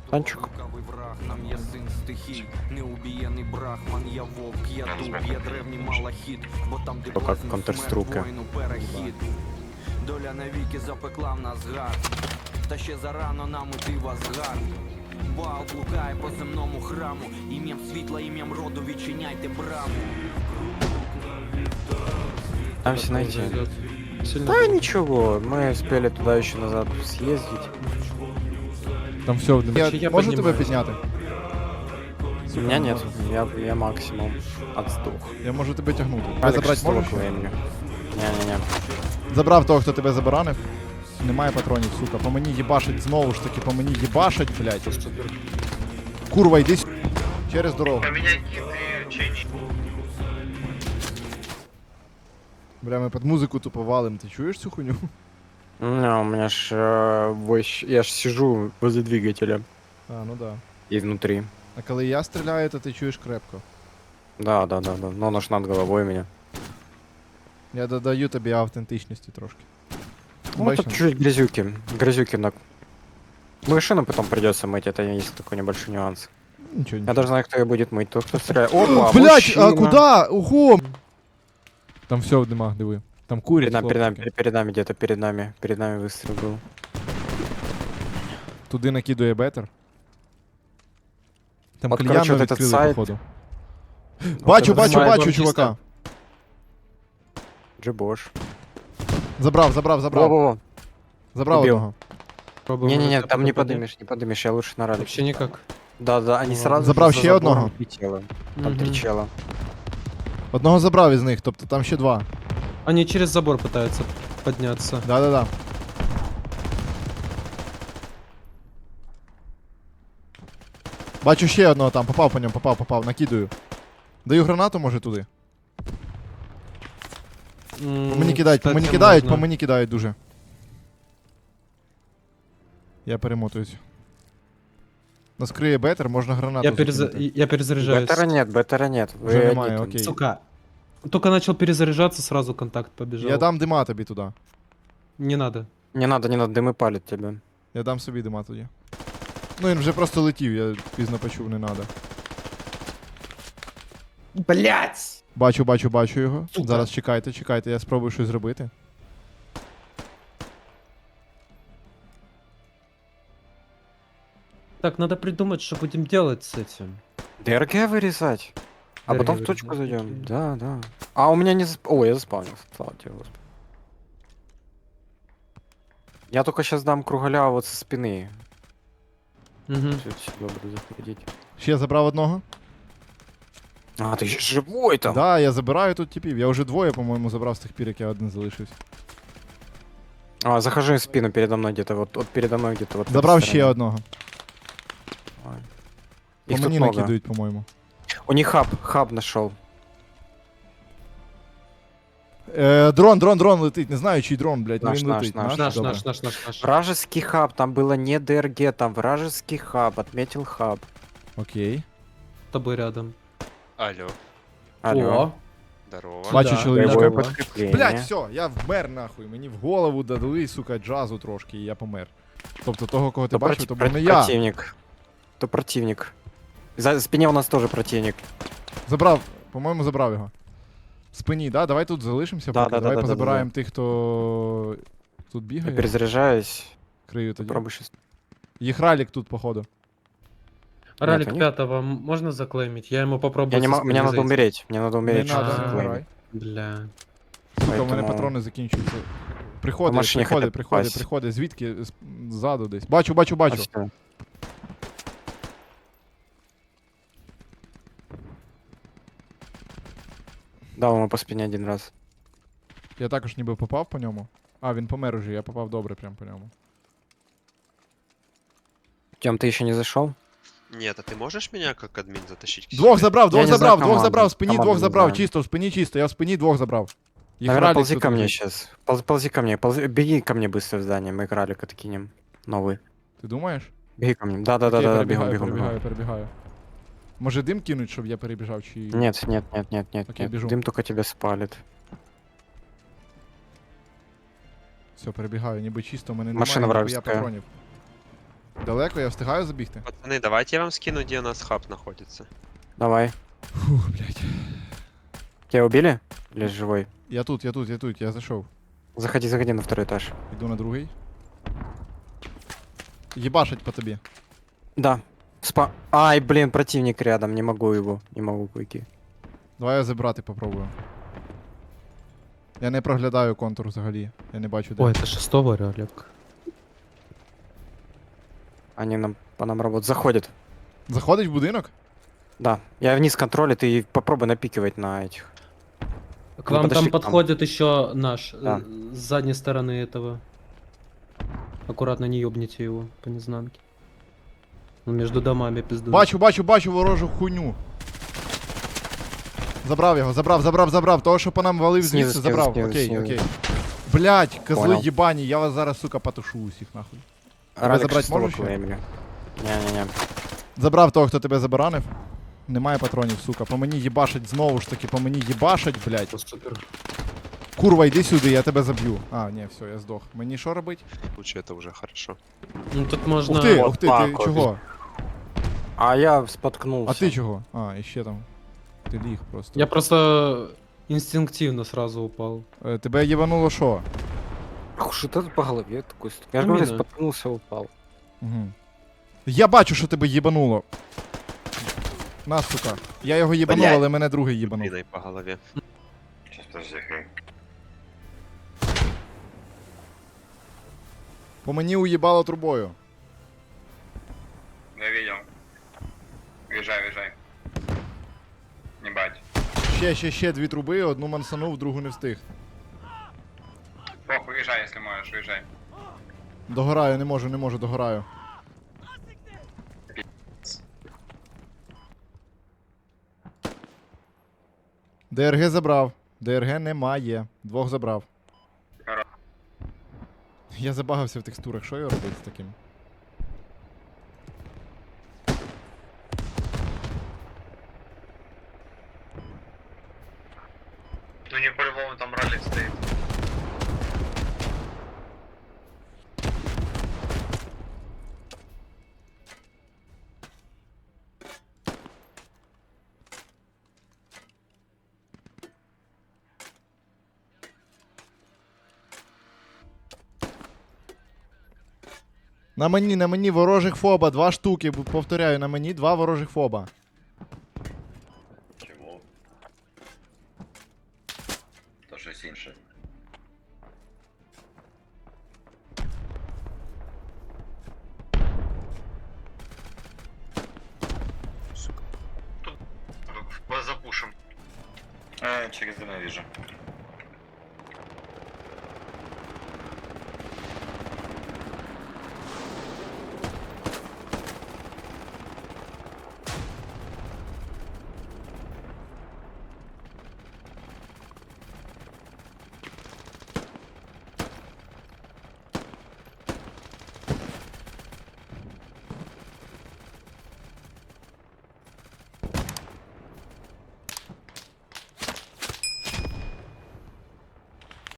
Танчик. Лукавий враг, нам є син стихій, неубієний брахман, я вовк, я дуб, я древній малахіт, бо там де То как блазнів Counter-Strike. смерть, воїну перехід. Доля навіки запекла в нас гад, та ще зарано нам іти в Асгард. Бал блукає по земному храму, ім'ям світла, ім'ям роду відчиняйте браму. Там все найти. Сильно. Да ничего, мы успели туда еще назад съездить. Там все, Я можу тебе піднімаюсь. підняти? У меня нет, я максимум отсдох. Я можу тебе тягнути. Тебе Надо забрати шестого можеш? времени. Не-не-не. Забрав того, хто тебе забаранив. Немає патронів, сука. По мені їбашить, знову ж таки, по мені їбашить, блядь. Курва, йди сюди. Через дорогу. Бля, ми під музику тупо валим. Ти чуєш цю хуйню? Не, у меня ж я ж сижу возле двигателя А, ну да. и внутри. А коли я стріляю, то ти чуєш крепко. Да. Но оно ж над головой у меня. Я додаю тобі автентичності трошки. Ну, Бачиш? тут чуть грязюки. Грязюки на... Машину потом придется мыть, это есть такой небольшой нюанс. Нічого, Я нічого. даже знаю, кто ее будет мыть. Тот, кто стреляет. Опа, Блять, мужчина. а куда? Ого! Там все в димах, диви. Там курять. Перед нами, хлопчики. перед нами где-то, перед нами выстрел был. Туди накидує бетер. Там От, кальяну короче, вот этот відкрили, сайт. походу. Вот Бачу, этот бачу, Має бачу, бомбіста. чувака. Джибош. Забрав. Во-во-во. Забрав Убил. одного. Пробуем Не-не-не, это там не попадать. подымешь, я лучше на ралли. Вообще никак. Да, они Ну, сразу Забрал же за ще одного? забором 3 тела. Там 3 Мгм. чела. Одного забрав із них, тобто там ще два. Они через забор пытаются подняться. Да. Бачу ще одного там, попав по ньому, попав, накидаю. Даю гранату, може, туди. По мені кидають, по мені кидають дуже. Я перемотуюсь. Нас криє бетер, можна гранату закинути. Я перезаряжаюсь. Беттера нет. Уже Вы немає, одни тут. окей. Сука. Только начал перезаряжаться, сразу контакт побежал. Я дам дима тобі туди. Не надо. Не надо, дымы палят тебя. Я дам собі дима тоді. Ну він вже просто летів, я пізно почув, не надо. Блять! Бачу його. Сука. Зараз чекайте, я спробую щось зробити. Так, надо придумать, что будем делать с этим. ДРГ вырезать. А ДРГ потом в точку вырезать, зайдем. окей. Да. А у меня не засп... О, я заспавнился. Слава тебе, Господи. Я только сейчас дам кругаля вот со спины. Угу. Сюда буду заходить. Ще забрав одного. А, ты еще живой там. Да, я забираю тут типів. Я вже двоє, по-моєму, забрав з тих пір, як я один залишився. А, захожу в спину передо мной где-то. Вот передо мной где-то. Вот в Забрав этой ще стороне. одного. Ой. По Их тут мені много. накидують, по-моєму. У них хаб нашел. Дрон летить, не знаю, чий дрон, блядь, но Наш, він наш, летить. наш. Наш, Добре. наш. Вражеский хаб, там было не ДРГ, там вражеский хаб, отметил хаб. Окей. С тобой рядом. Алло, Алло. О, здорово. Бачу Да, чоловічка. Боевое Здорово. подкрепление. Блядь, все, я вмер нахуй. Мені в голову дали, сука, джазу трошки, і я помер. Тобто того, кого ти То бачив, то був не я. противник. То противник. За спине у нас тоже противник. Забрав, по-моєму, забрав його. В спині, да? Давай тут залишимося, Да, поки. да, Давай да, позабираємо тих, хто тут Я бігає. перезаряжаюсь. Крию тоді. Попробуй сейчас. Їх ралік тут, походу. ралик они- пятого можно заклеймить? Я ему попробую. Я не со могу, мне спины надо зайти. умереть. Мне надо Не умереть. надо, чтобы не А. вмирай. заклеймить. Бля. Сука, у мене Поэтому- патрони закінчуються. По Приходить, машині хотять попасть. приходить. Звідки? Ззаду десь. Бачу. А всё. Дал ему по спине один раз. Я також ніби попав по ньому. А, він помер уже, я попав добре прям по ньому. Тем, ты еще не зашел? Нет, а ты можешь меня как админ затащить к Двох себе? забрав, Я не знаю двох команду. забрав, в спині Команду двох не забрав, знаю. чисто, в спині чисто, я в спині двох забрав. Їх Наверное, ралік ползи тут ко мне лежить. сейчас. Ползи ко мне. Беги ко мне быстро в здание. Мы кралик откинем. Новый. Ти думаєш? Беги ко мне. Да, Окей, бегом. перебігаю. Може дим кинуть, щоб я перебіжав, чи... Нет. Окей, бежу. Дым только тебя спалит. Все, перебігаю, ніби чисто, в мене Машина немає ніхуя вражеская. патронів. Далеко, я встигаю забігти? Пацаны, давайте я вам скину, где у нас хаб находится. Давай. Фух, блядь. Тебя убили? Или живой? Я тут, я зайшов. Заходи, заходи на второй этаж. Іду на другий. Єбашить по тобі. Да. Ай, блин, противник рядом, не могу его. Не могу пойти. Давай я забрати попробую. Я не проглядаю контур взагалі. Я не бачу де. Ой, это шестого, Олег. Они по нам работают. Заходят. Заходить в будинок? Да. Я вниз контролю, ты попробуй напикивать на этих. К вам подошли там к нам. подходит еще наш, Да. с задней стороны этого. Аккуратно не ёбните его по незнанке. Он между домами пиздует. Бачу ворожу хуйню. Забрав його, забрав. Того, що по нам валив Снизу, звідси, снизу, забрав. снизу, Окей, снизу. окей. Блять, козли Понял. єбані, я вас зараз, сука, потушу усіх нахуй. Ралик забрать шестого можешь еще? времени. Не-не-не. Забрав того, хто тебе забаранив. Немає патронів, сука. По мені їбашить, знову ж таки, по мені їбашить, блять. Супер. Курва, йди сюди, я тебе заб'ю. А, ні, все, я здох. Мені що робить? В случае это уже хорошо. Ну тут можно... Ух ти, так ти от. чого? А я споткнулся. А ти чого? А, і ще там. Ти ліг просто. Я просто инстинктивно сразу упал. Тебе їбануло що? Ах, что-то по голове такой. Я же говорю, Именно. споткнулся, упал. Угу. Я бачу, що тебе їбануло. На, сука. Я його їбанув, Блядь. але мене другий їбанув. Блиной по голове. Сейчас, подожди, хей. По мені уїбало трубою. Я видел. Въезжай. Не бать. Ще дві труби, одну мансанув, другу не встиг. Похуй, въезжай, если можешь, въезжай. Догораю, не можу, догораю. ДРГ забрав. ДРГ немає. Двох забрав. Хоро. Я забагався в текстурах, що я робити з таким? Ну не по-любому там ролик стоит. На мені ворожих фоба, 2 штуки, повторяю, на мені 2 ворожих фоба. Чего? То щось інше. Вас запушим. Через ненавижу.